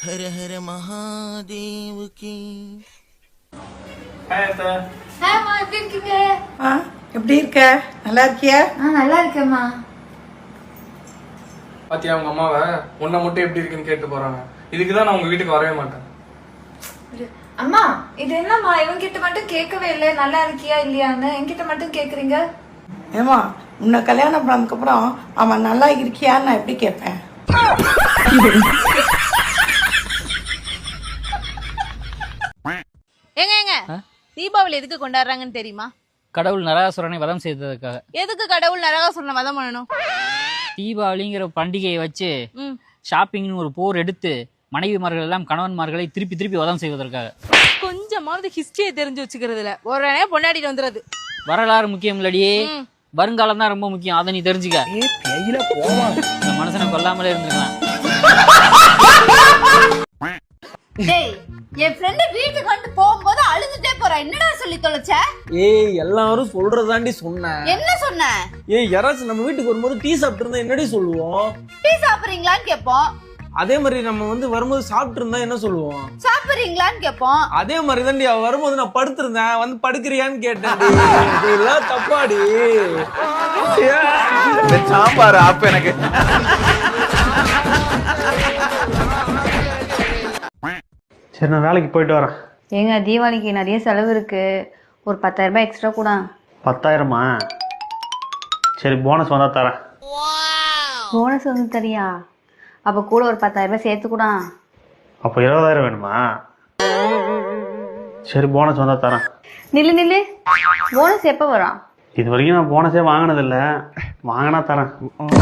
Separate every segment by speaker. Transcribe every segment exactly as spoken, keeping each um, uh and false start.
Speaker 1: ஹர ஹர மகாதேவ் கி.
Speaker 2: ஹாய்மா, எப்படி இருக்கீங்க?
Speaker 3: ஆ, எப்படி இருக்க? நல்லா இருக்கியா?
Speaker 2: ஆ, நல்லா இருக்கேம்மா.
Speaker 4: பாத்தியா உங்க அம்மாவை உன்னை மட்டும் எப்படி இருக்குன்னு கேட்டு போறாங்க. இதுக்குதான் நான் உங்க வீட்டுக்கு வரவே மாட்டேன்.
Speaker 2: அம்மா, இது என்னம்மா இவங்க கிட்ட மட்டும் கேட்கவே இல்லை நல்லா இருக்கியா இல்லையான்னு, என்கிட்ட மட்டும் கேக்குறீங்க.
Speaker 3: ஏமா, உன்னை கல்யாணம் பண்ணதுக்கு அப்புறம் அவன் நல்லா இருக்கியான்னு நான் எப்படி கேட்பேன்?
Speaker 5: ஏங்க ஏங்க தீபாவளி எதுக்கு கொண்டாடுறாங்கன்னு தெரியுமா?
Speaker 6: கடவுள் நரகாசுரனை வதம் செய்ததுக்காக.
Speaker 5: எதுக்கு கடவுள் நரகாசுரனை வதம் பண்ணணும்?
Speaker 6: தீபாவளிங்கிற பண்டிகையை வச்சு ஷாப்பிங்னு ஒரு போர் எடுத்து மனைவிமார்கள் எல்லாம் கணவன்மார்களை திருப்பி திருப்பி வதம் செய்வதற்காக.
Speaker 5: கொஞ்சமாவது ஹிஸ்டரியை தெரிஞ்சு வச்சுக்கிறதுல உடனே பொண்டாடிட்டு வந்துடுறது.
Speaker 6: வரலாறு முக்கியம் இல்லடி, வருங்காலம் தான் ரொம்ப முக்கியம். அதை நீ தெரிஞ்சுக்க. இந்த மனுஷனை கொல்லாமலே இருந்திருக்கலாம்.
Speaker 5: டேய், என் ஃப்ரெண்ட் வீட்டுக்கு வந்து போகும்போது அழுதுட்டே போறா. என்னடா சொல்லி தொலைச்ச?
Speaker 7: ஏய், எல்லாரும் சொல்றதாண்டி சொன்னேன்.
Speaker 5: என்ன சொன்ன?
Speaker 7: ஏய், யாராச்சும் நம்ம வீட்டுக்கு வரும்போது டீ சாப்பிட்டு இருந்தா என்னடி சொல்லுவோம்?
Speaker 5: டீ சாப்பிடுறீங்களான்னு கேட்போம்.
Speaker 7: அதே மாதிரி நம்ம வந்து வரும்போது சாப்பிட்டு இருந்தா என்ன சொல்லுவோம்?
Speaker 5: சாப்பிடுறீங்களான்னு கேட்போம்.
Speaker 7: அதே மாதிரி தாண்டி அவ வரும்போது நான் படுத்திருந்தேன், வந்து படுக்கிறியான்னு கேட்டேன். இதெல்லாம் தப்பாடி.
Speaker 1: சாம்பார் ஆப் எனக்கு.
Speaker 8: சரி, நான் வேலைக்கு போயிட்டு வரேன்.
Speaker 9: ஏங்க, தீபாவளிக்கு நிறைய செலவு இருக்கு, ஒரு பத்தாயிரம் ரூபாய் எக்ஸ்ட்ரா கூட.
Speaker 8: பத்தாயிரமா? சரி, போனஸ் வந்தா தரேன்.
Speaker 9: போனஸ் வந்து தரியா? அப்ப கூட ஒரு பத்தாயிரம் ரூபாய் சேர்த்து கூட.
Speaker 8: அப்போ இருபதாயிரம் வேணுமா? சரி, போனஸ் வந்தா தரேன்.
Speaker 9: நில்லு நில்லு, போனஸ் எப்ப வரும்?
Speaker 8: இது வரைக்கும் நான் போனஸே வாங்கினதில்ல, வாங்கினா தரேன்.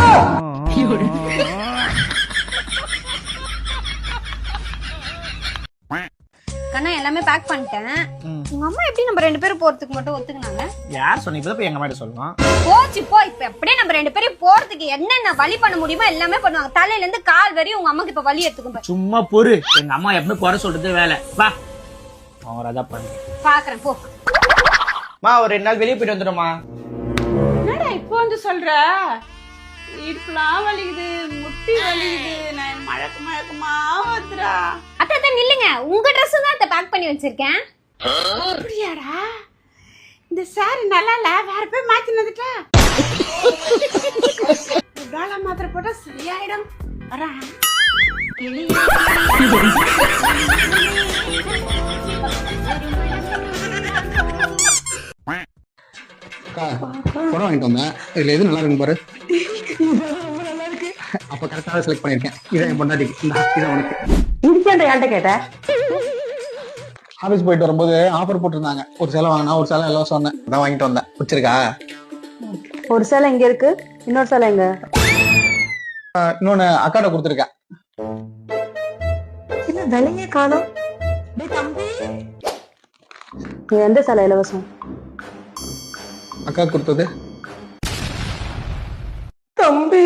Speaker 9: கண்ணா, எல்லாமே பேக் பண்ணிட்டேன். உங்க அம்மா எப்படி நம்ம ரெண்டு பேரும் போறதுக்கு மட்டும் ஒத்துக்குனாங்க?
Speaker 7: யார் சொன்ன? இப்பதான் போய் எங்க மாதிரி சொல்லுவான்.
Speaker 9: போச்சு போ. இப்ப எப்படியே நம்ம ரெண்டு பேரும் போறதுக்கு என்னென்ன வழி பண்ண முடியுமோ எல்லாமே பண்ணுவாங்க. தலையில இருந்து கால் வரையும் உங்க அம்மாக்கு இப்ப வலி எடுத்துக்கும்.
Speaker 7: சும்மா பொறு. எங்க அம்மா எப்பவுமே குறை சொல்றது வேலை. வா, அவன் அதான் பண்ணு.
Speaker 9: பாக்குறேன் போ.
Speaker 7: மா, ஒரு ரெண்டு நாள் வெளியே போயிட்டு வந்துடுமா?
Speaker 5: என்னடா இப்போ வந்து சொல்ற? இடுப்புலாம் வலிக்குது, முட்டி வலிக்குது, நான் மழக்கு மழக்கமா வந்துடா.
Speaker 9: அத்தை நில்லுங்க, உங்க ட்ரெஸ் தான் அத்தை பேக் பண்ணி வச்சிருக்கேன்.
Speaker 5: அப்படியாடா? இந்த சாரி நல்லா இல்ல, வேற போய் மாத்தி வந்துட்டா. காலா மாத்திரை போட்டா சரியாயிடும். வரேன்.
Speaker 10: படம் வாங்கிட்டு வந்தேன். இதுல எது நல்லா இருக்கு பாரு. அப்ப கரெக்டாக செலக்ட் பண்ணிருக்கேன். இதை என் பொண்டாட்டிக்கு. இதை உனக்கு.
Speaker 3: யார்கிட்ட கேட்ட?
Speaker 10: ஆபீஸ் போயிட்டு வரும்போது ஆஃபர் போட்டிருந்தாங்க. ஒரு சேலை வாங்கினா ஒரு சேலை எல்லாம் சொன்னேன். அதான் வாங்கிட்டு வந்தேன். பிடிச்சிருக்கா?
Speaker 9: ஒரு சேலை எங்க இருக்கு, இன்னொரு சேலை எங்க?
Speaker 10: இன்னொன்னு அக்காட்ட கொடுத்துருக்கேன்.
Speaker 9: விலையே காணும். எந்த சேலை இலவசம்?
Speaker 10: அக்கா கொடுத்தது.
Speaker 3: தம்பி,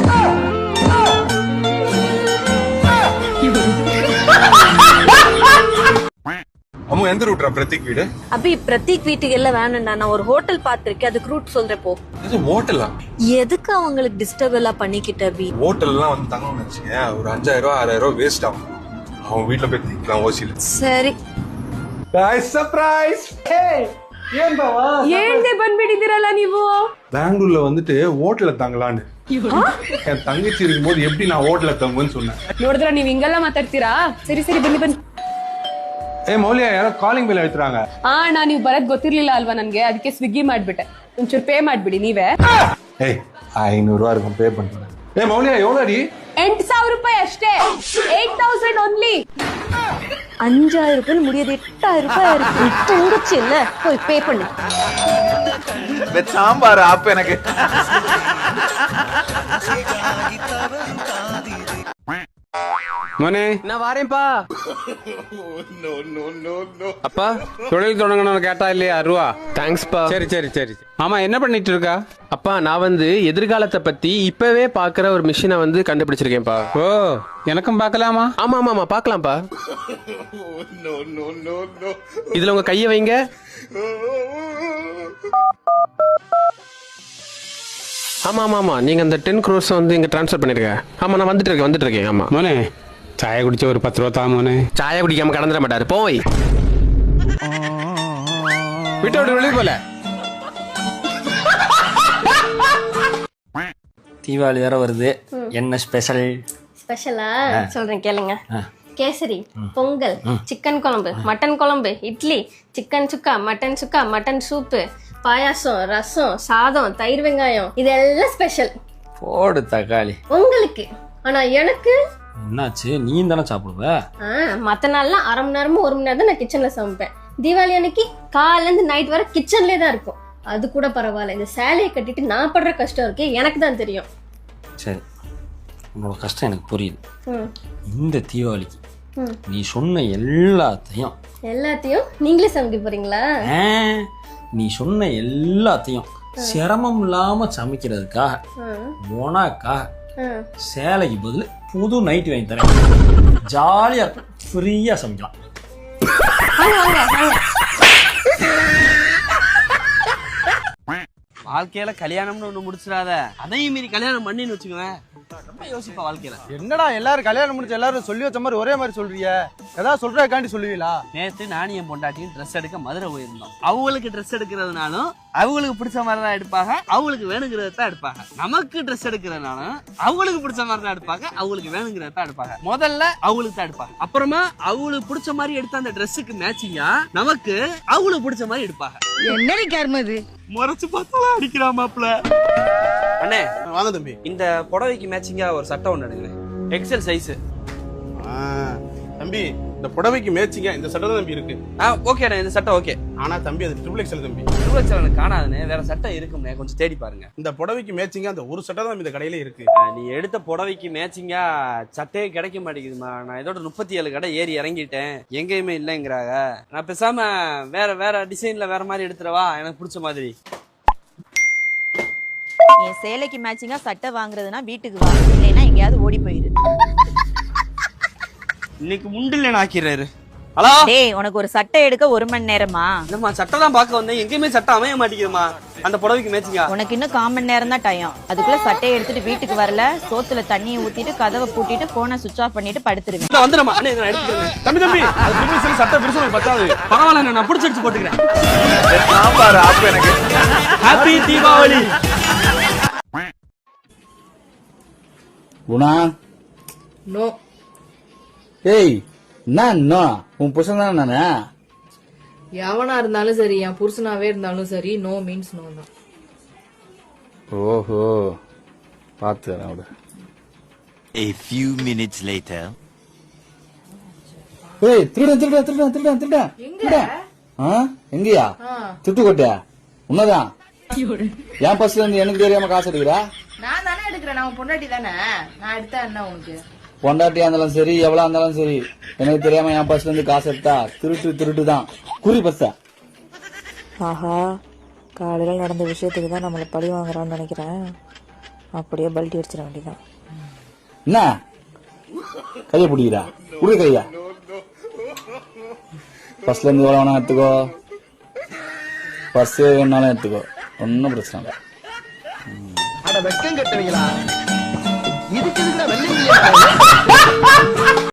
Speaker 11: அம்மா, எந்த ரூட்ரா பிரதீக் வீடு?
Speaker 5: அபி, பிரதீக் வீட்டுக்கு எல்லாம் வேணும்டா. நான் ஒரு ஹோட்டல் பாத்திருக்கேன், அதுக்கு ரூட் சொல்றேன் போ.
Speaker 11: இது ஹோட்டலா?
Speaker 5: எதுக்கு அவங்களுக்கு டிஸ்டர்ப் எல்லாம் பண்ணிக்கிட்ட? அபி,
Speaker 11: ஹோட்டல்லாம் வந்து தங்கணும்னு வச்சுங்க, ஒரு அஞ்சாயிரம் ரூபாய் ஆறாயிரம் ரூபாய் வேஸ்ட் ஆகும். அவன் வீட்டுல போய் திக்கலாம் ஓசியில.
Speaker 5: சரி.
Speaker 11: ಸರ್ಪ್ರೈಸ್.
Speaker 7: ಏನ್ ಬಾವಾ
Speaker 5: ಏನ್ದೆ ಬಂದ್ಬಿಟ್ಟಿದ್ದೀರಲ್ಲ ನೀವು?
Speaker 11: பெங்களூர்ல வந்துட்டு ஹோட்டல்ல தங்கலான்னு என் தங்கச்சி இருக்கும்போது எப்படி நான் ஹோட்டல்ல தங்குவேன்னு சொன்னேன்.
Speaker 5: ನೋಡಿದ್ರ ನೀವ್ ಹಿಂಗೆಲ್ಲ ಮಾತಾಡ್ತೀರಾ? ಸರಿ ಸರಿ ಬನ್ನಿ ಬನ್ನಿ.
Speaker 11: ಏ ಮೌಲ್ಯ, ಯಾರೋ ಕಾಲಿಂಗ್ ಬೆಲ್ ಹೇಳ್ತಾರಾಂಗ.
Speaker 5: ಆ ನಾ ನೀವು ಬರದ್ ಗೊತ್ತಿರ್ಲಿಲ್ಲ ಅಲ್ವಾ ನನ್ಗೆ, ಅದಕ್ಕೆ ಸ್ವಿಗ್ಗಿ ಮಾಡ್ಬಿಟ್ಟೆ. ಒಂಚೂರು ಪೇ ಮಾಡ್ಬಿಡಿ ನೀವೇ.
Speaker 11: ಏಯ್, ಐನೂರು ರೂಪಾಯಿ இருக்கும் பே பண்ணுறேன். ஏ மௌல்யா, எவ்வளோ அடி?
Speaker 5: ಎಂಟು ಸಾವಿರ ರೂಪಾಯಿ ಅಷ್ಟೇ. Eight thousand only.
Speaker 9: அஞ்சாயிரம் ரூபாய் முடியாது, எட்டாயிரம் ரூபாய் இருக்கு. தங்கச்சி இல்ல, போய் பே பண்ணு.
Speaker 1: சாம்பார் ஆப் எனக்கு.
Speaker 12: மோனே,
Speaker 7: நான் வாரேன்பா.
Speaker 12: அப்பா தொழில் தொடங்கணும்னு கேட்டா இல்லையா ரூபா?
Speaker 7: தேங்க்ஸ்பா.
Speaker 12: சரி சரி சரி. ஆமா, என்ன பண்ணிட்டு இருக்கா?
Speaker 7: அப்பா, நான் வந்து எதிர்காலத்தை பத்தி இப்பவே பாக்குற ஒரு மிஷினை வந்து கண்டுபிடிச்சிருக்கேன்ப்பா.
Speaker 12: ஓ, எனக்கும் பார்க்கலாமா?
Speaker 7: ஆமா ஆமா ஆமா, பாக்கலாம்ப்பா. இதுல உங்க கைய வைங்க. ஆமா ஆமா ஆமா, நீங்க அந்த டென் க்ரோர்ஸ் வந்து இங்க ட்ரான்ஸ்ஃபர் பண்ணிருக்க. ஆமா, நான் வந்துட்டு இருக்கேன் வந்துட்டு இருக்கேன். ஆமா
Speaker 12: மோனே, ചായ കുടിച്ച ഒരു പത്ത് രൂപ താമോനെ.
Speaker 13: ചായ കുടിക്കാമ കടന്നിட மாட்டாரு போய் விட்டு வெளியே போல.
Speaker 6: தீபாவளி வேற வருது, என்ன ஸ்பெஷல்?
Speaker 9: ஸ்பெஷலா சொல்றேன் கேளுங்க. கேசரி, பொங்கல், சிக்கன் குழம்பு, மட்டன் குழம்பு, இட்லி, சிக்கன் சுக்கா, மட்டன் சுக்கா, மட்டன் சூப்பு, பாயாசம், ரசம், சாதம், தயிர் வெங்காயம், இதெல்லாம் ஸ்பெஷல்.
Speaker 6: போடு தக்காளி.
Speaker 9: உங்களுக்கு. ஆனா எனக்கு
Speaker 6: என்னாச்சு, நீ தானே சாப்பிடுவ?
Speaker 9: மத்த நாள்லாம் அரை மணி நேரமும் ஒரு மணி நேரம் தான் நான் கிச்சன்ல சமைப்பேன். தீபாவளி அன்னைக்கு காலைல இருந்து நைட் வரை கிச்சன்லயே தான் இருக்கும். அது கூட பரவாயில்ல, இந்த சேலையை கட்டிட்டு நான் படுற கஷ்டம் இருக்கு எனக்கு தான் தெரியும்.
Speaker 6: சரி, உன்னோட கஷ்டம் எனக்கு புரியுது. இந்த தீபாவளிக்கு நீ சொன்ன எல்லாத்தையும்
Speaker 9: எல்லாத்தையும் நீங்களே சமைக்க போறீங்களா?
Speaker 6: நீ சொன்ன எல்லாத்தையும் சிரமம் இல்லாம சமைக்கிறதுக்காக உனக்காக சேலைக்கு பதில் புது நைட் வாங்கி தரேன். ஜாலியா இருக்கும், ஃப்ரீயா சமைக்கலாம்.
Speaker 7: வாழ்க்கையில கல்யாணம்னு ஒண்ணு முடிச்சிடாத, அதையும் மீறி கல்யாணம் பண்ணின்னு வச்சுக்குவேன். ரொம்ப யோசிப்பா வாழ்க்கையில.
Speaker 10: என்னடா எல்லாரும் கல்யாணம் முடிச்சு எல்லாரும் சொல்லி வச்ச மாதிரி ஒரே மாதிரி சொல்றீங்க? ஏதாவது சொல்றதுக்காண்டி சொல்லுவீங்களா?
Speaker 7: நேத்து நானும் என் பொண்டாட்டியும் ட்ரெஸ் எடுக்க மதுரை போயிருந்தோம். அவங்களுக்கு ட்ரெஸ் எடுக்கிறதுனாலும் அவங்களுக்கு பிடிச்ச மாதிரி தான் எடுப்பாங்க, அவங்களுக்கு வேணுங்கிறத தான் எடுப்பாங்க. நமக்கு ட்ரெஸ் எடுக்கிறதுனாலும் அவங்களுக்கு பிடிச்ச மாதிரி தான் எடுப்பாங்க, அவங்களுக்கு வேணுங்கிறத தான் எடுப்பாங்க. முதல்ல அவங்களுக்கு தான் எடுப்பாங்க, அப்புறமா அவங்களுக்கு பிடிச்ச மாதிரி எடுத்த அந்த ட்ரெஸ்ஸுக்கு மேட்சிங்கா நமக்கு அவங்களுக்கு பிடிச்ச மாதிரி எடுப்பாங்க.
Speaker 3: என்னடி கர்மது?
Speaker 7: முறைச்சு பார்த்தாலும் அடிக்கிறாமாப்ல. அண்ணே
Speaker 10: வாங்க தம்பி,
Speaker 7: இந்த புடவைக்கு மேட்சிங்கா ஒரு சட்டை ஒண்ணு எடுங்க, எக்ஸல் சைஸ்.
Speaker 10: தம்பி இந்த புடவைக்கு மேட்சிங்கா இந்த சட்டை தான் தம்பி இருக்கு.
Speaker 7: ஓகே அண்ணே, இந்த சட்டை ஓகே.
Speaker 10: ஆனா தம்பி அது ட்ரிபிள் எக்ஸல் தம்பி.
Speaker 7: ட்ரிபிள் எக்ஸல் எனக்கு காணாதுண்ணே, வேற சட்டை இருக்கும்ண்ணே, கொஞ்சம் தேடி பாருங்க.
Speaker 10: இந்த புடவைக்கு மேட்சிங்கா அந்த ஒரு சட்டை தான் இந்த கடையில இருக்கு.
Speaker 7: நீ எடுத்த புடவைக்கு மேட்சிங்கா சட்டையே கிடைக்க மாட்டேங்குதுமா. நான் இதோட முப்பத்தி ஏழு கடை ஏறி இறங்கிட்டேன், எங்கேயுமே இல்லைங்கிறாங்க. நான் பேசாம வேற வேற டிசைன்ல வேற மாதிரி எடுத்துறவா, எனக்கு பிடிச்ச மாதிரி.
Speaker 14: என் சேலைக்கு மேட்சிங்கா சட்டை வாங்குறதுனா வீட்டுக்கு வா, இல்லைன்னா எங்கேயாவது ஓடி போயிரு.
Speaker 7: இன்னைக்கு முண்டில் ஆக்கிறாரு. ஹலோ
Speaker 14: டேய், உனக்கு ஒரு சட்டை எடுக்க ஒரு மணி நேரமா?
Speaker 7: இல்லம்மா, சட்டை தான் பார்க்க வந்தேன், எங்கேயுமே சட்டை அமைய மாட்டேங்குதுமா. அந்த புடவைக்கு மேட்சிங்கா
Speaker 14: உனக்கு இன்னும் கால் மணி நேரம் தான் டைம். அதுக்குள்ள சட்டையை எடுத்துட்டு வீட்டுக்கு வரல, சோத்துல தண்ணியை ஊத்திட்டு கதவை பூட்டிட்டு போனை சுவிட்ச் ஆஃப் பண்ணிட்டு படுத்துருவேன்.
Speaker 7: வந்துடுமா அண்ணே, நான் எடுத்துக்கிறேன்.
Speaker 10: தம்பி தம்பி அது ட்ரிபிள் எக்ஸல் சட்டை பெருசா பத்தாது.
Speaker 7: பரவாயில்ல, நான் பிடிச்சி அடிச்சு போட்டுக்கிறேன்.
Speaker 1: சாம்பார் ஆப்பு எனக்கு.
Speaker 7: ஹாப்பி தீபாவளி.
Speaker 10: குணா
Speaker 3: நோ.
Speaker 10: ஏய் என்ன உன் புருஷன் தானே நானே?
Speaker 3: எவனா இருந்தாலும் சரி, என் புருஷனாவே இருந்தாலும் சரி, நோ மீன்ஸ் நோ தான்.
Speaker 10: ஓஹோ, பார்த்து அவட.
Speaker 1: A few minutes later.
Speaker 10: ஏய் திருட திருட திருட திருட திருட எங்க? ஆ எங்கயா? துட்டு கொட்டியா? உன்னதான் என் பஸ்ல இருந்து எனக்கு தெரியாம காசு எடுக்கிறா?
Speaker 3: நான் தானே எடுக்கிறேன், நான் பொண்டாட்டி தானே, நான் எடுத்தா என்ன உனக்கு?
Speaker 10: பொண்டாட்டியா இருந்தாலும் சரி, எவ்வளவு இருந்தாலும் சரி, எனக்கு தெரியாம என் பஸ்ல இருந்து காசு எடுத்தா திருட்டு திருட்டு தான். குறி பஸ்ஸா?
Speaker 14: ஆஹா, காலையில நடந்த விஷயத்துக்கு தான் நம்மள பழி வாங்குறான்னு நினைக்கிறேன். அப்படியே பல்ட்டி அடிச்சிட வேண்டியதான்.
Speaker 10: என்ன கைய பிடிக்கிறா? குடி கையா. பஸ்ல இருந்து எவ்வளவு வேணா எடுத்துக்கோ, பஸ் வேணாலும் எடுத்துக்கோ, ஒன்னும் பிரச்சனை இல்லை. வெக்கம் கட்டுவீங்களா? இதுக்கு